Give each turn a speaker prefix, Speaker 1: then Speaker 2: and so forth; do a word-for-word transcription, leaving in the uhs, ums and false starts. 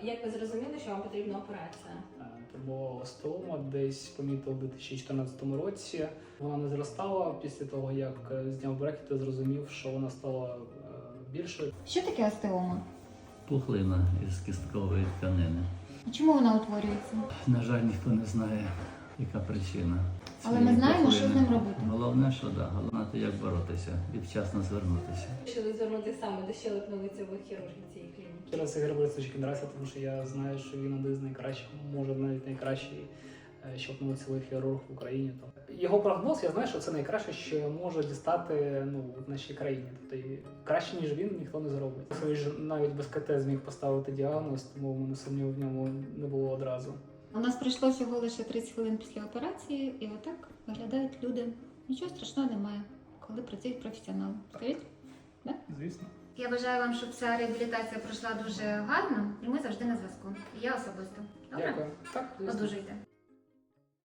Speaker 1: Як ви зрозуміли, що вам потрібна операція?
Speaker 2: Це було остеома, десь помітив у дві тисячі чотирнадцятому році. Вона не зростала. Після того, як зняв брекети, зрозумів, що вона стала більшою.
Speaker 3: Що таке остеома?
Speaker 4: Пухлина із кісткової тканини.
Speaker 3: А чому вона утворюється?
Speaker 4: На жаль, ніхто не знає, яка причина.
Speaker 3: Але
Speaker 4: цієї
Speaker 3: ми знаємо, що з
Speaker 4: пухлини.
Speaker 3: ним робити.
Speaker 4: Головне, що да, головне, то як боротися і вчасно звернутися.
Speaker 1: Вирішили звернутися саме до щелепно-лицевих хірургів цієї клініки.
Speaker 2: Через Ігор Борисович Кіндрася, тому що я знаю, що він один з найкращих, може навіть найкращий щелепно-лицевий хірург в Україні. Його прогноз, я знаю, що це найкраще, що може дістати ну, в нашій країні. Тобто краще, ніж він, ніхто не зробить. Він ж навіть без ка те зміг поставити діагноз, тому в мене сумніву в ньому не було одразу.
Speaker 3: У нас пройшло всього лише тридцять хвилин після операції, і отак виглядають люди. Нічого страшного немає, коли працюють професіонали. Скажіть? Да?
Speaker 2: Звісно.
Speaker 3: Я бажаю вам, щоб ця реабілітація пройшла дуже гарно, і ми завжди на зв'язку. І я особисто. Добре?
Speaker 2: Дякую. Так, звісно.
Speaker 3: Одужуйте.